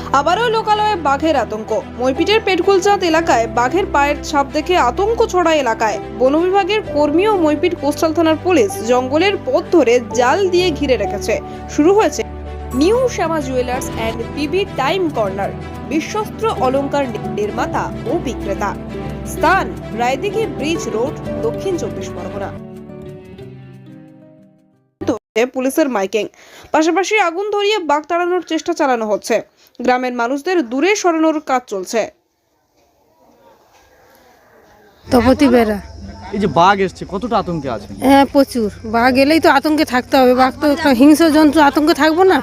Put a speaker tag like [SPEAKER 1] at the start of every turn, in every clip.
[SPEAKER 1] আবারও লোকালয়ে বাঘের আতঙ্ক। মইপিটের পেটকুলচাঁদ এলাকায় বাঘের পায়ের ছাপ দেখে আতঙ্ক ছড়ায় এলাকায়। বন বিভাগের কর্মী ও মইপিট কোস্টাল থানার পুলিশ জঙ্গলের পথ ধরে জাল দিয়ে ঘিরে রেখেছে। শুরু হয়েছে new Shyama jewellers and B B time corner, বিশ্বস্ত অলংকার নির্মাতা ও বিক্রেতা। স্থান রায়দিঘি ব্রিজ রোড, দক্ষিণ 24 পরগনা। পুলিশের মাইকিং, পাশাপাশি আগুন ধরিয়ে বাঘ তাড়ানোর চেষ্টা চালানো হচ্ছে। গ্রামের মানুষদের দূরে সরানোর কাজ চলছে।
[SPEAKER 2] তপতি বেড়া।
[SPEAKER 3] এই যে বাঘ এসছে, কতটা আতঙ্কে আছে?
[SPEAKER 2] হ্যাঁ, প্রচুর। বাঘ এলেই তো আতঙ্কে থাকতে হবে। বাঘ তো একটা হিংস্র জন্তু, আতঙ্কে থাকবো না?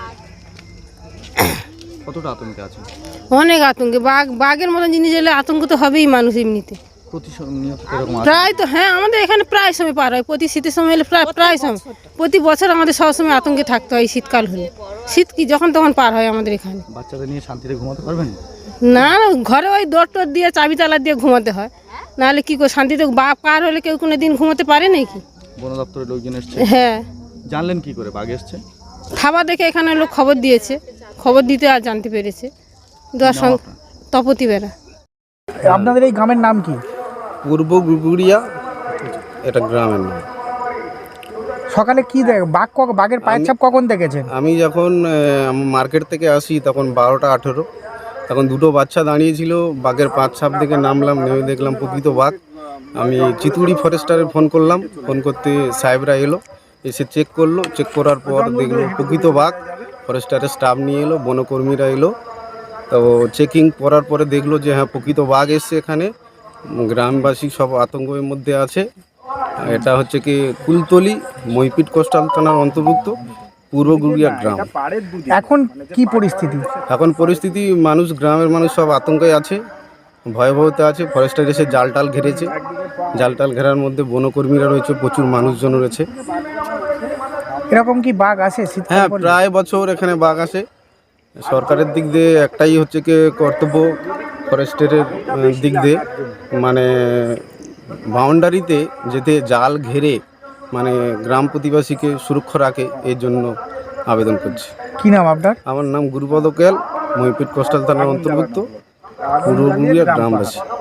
[SPEAKER 3] কতটা আতঙ্কে আছে?
[SPEAKER 2] অনেক আতঙ্কে। বাঘের মতন জিনিস এলে আতঙ্ক তো হবেই মানুষ এমনিতে।
[SPEAKER 3] প্রতিনিয়ত এরকম আছে?
[SPEAKER 2] প্রায় তো, হ্যাঁ, আমাদের এখানে প্রায় সময় পার হয়। প্রতি শীতের সময় এলে প্রায় সময়, প্রতি বছর আমাদের সবসময় আতঙ্কে থাকতে হয়। শীতকাল হলে, শীত কি যখন তখন পার হয় আমাদের এখানে।
[SPEAKER 3] বাচ্চাদের নিয়ে শান্তিতে ঘুমাতে পারবেন
[SPEAKER 2] না, ঘরে ওই দর টর দিয়ে চাবি তালা দিয়ে ঘুমাতে হয়, নাহলে কি করে শান্তিতে বাঘ পার হলে কেউ কোনো দিন ঘুমাতে পারে নাকি?
[SPEAKER 3] বন দপ্তরের লোকজন এসছে?
[SPEAKER 2] হ্যাঁ।
[SPEAKER 3] জানলেন কি করে বাঘ এসছে?
[SPEAKER 2] থাবা দেখে এখানে লোক খবর দিয়েছে, খবর দিতে আর জানতে পেরেছে। তপতি বেড়া।
[SPEAKER 4] আপনাদের এই গ্রামের নাম কি?
[SPEAKER 5] পূর্ব গুগুড়িয়া, এটা গ্রামের নাম।
[SPEAKER 4] সকালে কি বাঘের পায়ের ছাপ কখন দেখেছেন?
[SPEAKER 5] আমি যখন মার্কেট থেকে আসি তখন 12টা 18, তখন দুটো বাচ্চা দাঁড়িয়েছিল। বাঘের পাঁচ ছাপ দেখে নামলাম, নেমে দেখলাম প্রকৃত বাঘ। আমি চিতুড়ি ফরেস্টারে ফোন করলাম, ফোন করতে সাহেবরা এলো, এসে চেক করলো। চেক করার পর দেখলো প্রকৃত বাঘ। ফরেস্টারের স্টাফ নিয়ে এলো, বনকর্মীরা এলো। তো চেকিং করার পরে দেখলো যে হ্যাঁ প্রকৃত বাঘ এসছে এখানে। গ্রামবাসী সব আতঙ্কের মধ্যে আছে। এটা হচ্ছে কি কুলতলি, মইপিট কোস্টাল থানার অন্তর্ভুক্ত পূর্ব গুড়িয়া গ্রাম।
[SPEAKER 4] এখন কি পরিস্থিতি?
[SPEAKER 5] এখন পরিস্থিতি, গ্রামের মানুষ সব আতঙ্কে আছে, ভয়াবহতা আছে। ফরেস্টার এসে জাল টাল ঘিরেছে। জাল টাল ঘেরার মধ্যে বনকর্মীরা রয়েছে, প্রচুর মানুষজন রয়েছে।
[SPEAKER 4] এরকম কি বাঘ আসে?
[SPEAKER 5] হ্যাঁ, প্রায় বছর এখানে বাঘ আসে। সরকারের দিক দিয়ে একটাই হচ্ছে কি কর্তব্য, ফরেস্টের দিক দিয়ে মানে বাউন্ডারিতে যেতে জাল ঘেরে মানে গ্রাম প্রতিবাসীকে সুরক্ষা রাখে, এর জন্য আবেদন করছি।
[SPEAKER 4] কি নাম আপনার?
[SPEAKER 5] আমার নাম গুরুপদ কেল, মইপিট কোস্টাল থানার অন্তর্ভুক্ত পূর্ব গুড়িয়া গ্রামবাসী।